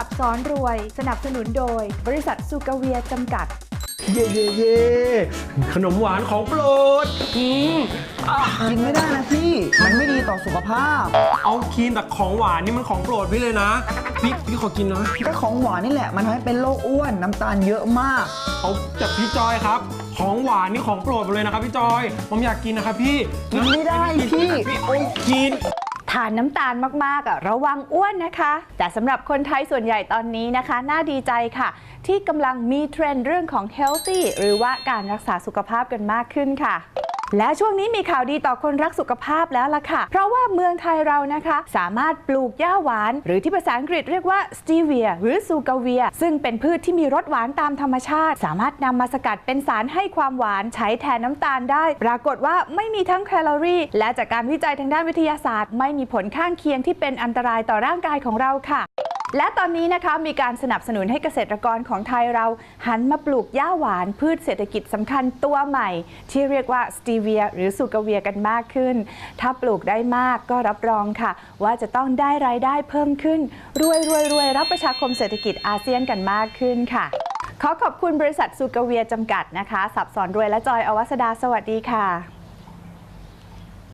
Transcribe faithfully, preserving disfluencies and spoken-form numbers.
สอนรวยสนับสนุนโดยบริษัทซูกาเวียจำกัดเย่เย่เย่ขนมหวานของโปรดอืมกินไม่ได้นะพี่มันไม่ดีต่อสุขภาพเอาคีนแต่ของหวานนี่มันของโปรดพี่เลยนะพี่พี่ขอกินนะก็ของหวานนี่แหละมันทำให้เป็นโรคอ้วนน้ำตาลเยอะมากเอาแต่พี่จอยครับของหวานนี่ของโปรดเลยนะครับพี่จอยผมอยากกินนะครับพี่กินไม่ได้พี่พี่โอ้กินทานน้ำตาลมากๆอ่ะระวังอ้วนนะคะแต่สำหรับคนไทยส่วนใหญ่ตอนนี้นะคะน่าดีใจค่ะที่กำลังมีเทรนด์เรื่องของ healthy หรือว่าการรักษาสุขภาพกันมากขึ้นค่ะและช่วงนี้มีข่าวดีต่อคนรักสุขภาพแล้วล่ะค่ะเพราะว่าเมืองไทยเรานะคะสามารถปลูกหญ้าหวานหรือที่ภาษาอังกฤษเรียกว่าสตีเวียหรือซูกาเวียซึ่งเป็นพืชที่มีรสหวานตามธรรมชาติสามารถนำมาสกัดเป็นสารให้ความหวานใช้แทนน้ำตาลได้ปรากฏว่าไม่มีทั้งแคลอรี่และจากการวิจัยทางด้านวิทยาศาสตร์ไม่มีผลข้างเคียงที่เป็นอันตรายต่อร่างกายของเราค่ะและตอนนี้นะคะมีการสนับสนุนให้เกษตรกรของไทยเราหันมาปลูกหญ้าหวานพืชเศรษฐกิจสำคัญตัวใหม่ที่เรียกว่าสตีเวียหรือซูกาเวียกันมากขึ้นถ้าปลูกได้มากก็รับรองค่ะว่าจะต้องได้รายได้เพิ่มขึ้นรวยรวยรวยรับประชาคมเศรษฐกิจอาเซียนกันมากขึ้นค่ะขอขอบคุณบริษัทซูกาเวียจำกัดนะคะสับสอนรวยและจอยอวัสดาสวัสดีค่ะ